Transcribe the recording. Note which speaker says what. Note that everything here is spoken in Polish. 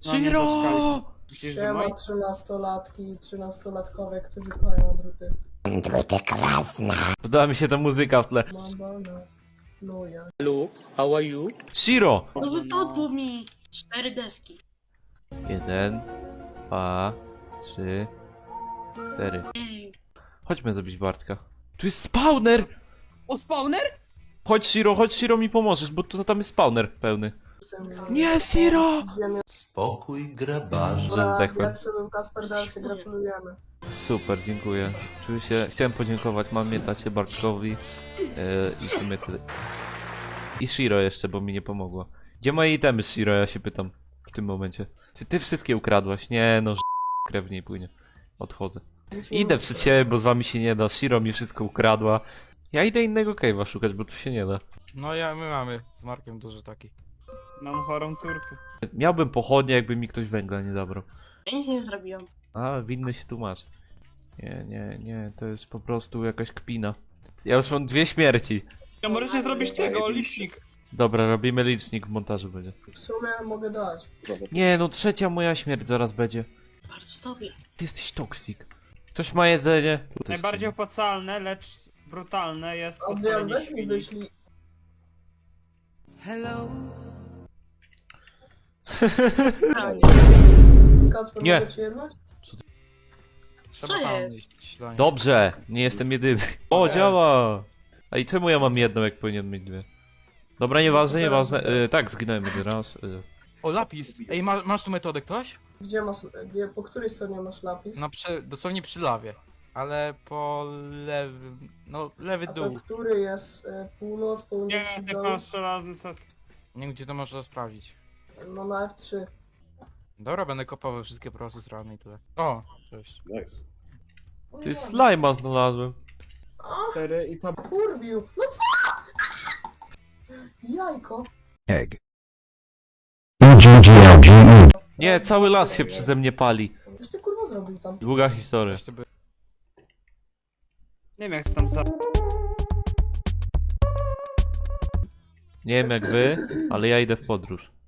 Speaker 1: Shiro!
Speaker 2: Siema 13-latki i 13-latkowie, którzy kochają druty.
Speaker 3: Druty krasne.
Speaker 1: Podoba mi się ta muzyka w tle.
Speaker 2: Mamba na luja.
Speaker 4: Hello, how are you?
Speaker 1: Shiro!
Speaker 5: No wypadło mi 4 deski.
Speaker 1: 1, 2, 3, 4.
Speaker 5: Ej,
Speaker 1: Chodźmy zabić Bartka. Tu jest spawner!
Speaker 4: O, spawner?
Speaker 1: Chodź Shiro, mi pomożesz, bo to tam jest spawner pełny. Nie, Shiro!
Speaker 6: Spokój, grabarze.
Speaker 1: Że zdechłem.
Speaker 2: Jak sobie Kasper Dalcie gratulujemy.
Speaker 1: Super, dziękuję. Czuję się... Chciałem podziękować mamie, tacie, Bartkowi i w sumie tyle. I Shiro jeszcze, bo mi nie pomogła. Gdzie moje itemy, Shiro, ja się pytam w tym momencie. Czy ty wszystkie ukradłaś? Nie, no krew w niej płynie. Odchodzę. Idę przed siebie, bo z wami się nie da. Shiro mi wszystko ukradła. Ja idę innego cave'a szukać, bo tu się nie da.
Speaker 7: No my mamy z Markiem duży taki.
Speaker 4: Mam chorą córkę.
Speaker 1: Miałbym pochodnie, jakby mi ktoś węgla nie zabrał.
Speaker 5: ja nic nie zrobiłem.
Speaker 1: A, winny się tłumacz. Nie, to jest po prostu jakaś kpina. Ja już mam 2 śmierci.
Speaker 4: Ja możecie zrobić tego, licznik.
Speaker 1: Dobra, robimy licznik, w montażu będzie.
Speaker 2: W sumie mogę dać.
Speaker 1: Nie, no 3. moja śmierć zaraz będzie.
Speaker 5: Bardzo dobrze.
Speaker 1: Ty jesteś toksik. Ktoś ma jedzenie?
Speaker 4: Najbardziej opłacalne, lecz brutalne jest
Speaker 2: Adrian,
Speaker 4: odpalenie
Speaker 2: weź mi
Speaker 4: świni.
Speaker 2: wyślij. Kasper,
Speaker 1: Nie.
Speaker 2: mogę ci jednać?
Speaker 7: Trzeba
Speaker 5: Co
Speaker 7: tam
Speaker 5: jest?
Speaker 7: iść do nich.
Speaker 1: Dobrze, nie jestem jedyny. O, działa! A i czemu ja mam jedną, jak powinien mieć 2? Dobra, nieważne. Tak, zginąłem jeden raz.
Speaker 7: O, lapis! Ej, masz tu metodę ktoś?
Speaker 2: Gdzie masz, po której stronie masz lapis?
Speaker 7: No dosłownie przy lawie. Ale po lewym... No, lewy
Speaker 2: A to
Speaker 7: dół.
Speaker 2: który jest północ,
Speaker 4: Nie,
Speaker 2: północny
Speaker 4: ty
Speaker 2: dół?
Speaker 4: masz żelazny set.
Speaker 7: Nie wiem, gdzie to można sprawdzić.
Speaker 2: No na F3.
Speaker 7: Dobra, będę kopał wszystkie prosy z rany i tyle. O, cześć.
Speaker 1: Ty slime'a znalazłem.
Speaker 4: 4 i to...
Speaker 2: Kurwił! No co? Jajko.
Speaker 3: Egg.
Speaker 1: Nie, cały las się przeze mnie pali.
Speaker 2: Coś ty kurwa zrobił tam?
Speaker 1: Długa historia.
Speaker 7: Jeszcze by...
Speaker 4: Nie wiem jak to tam za...
Speaker 1: Nie wiem jak wy, ale ja idę w podróż.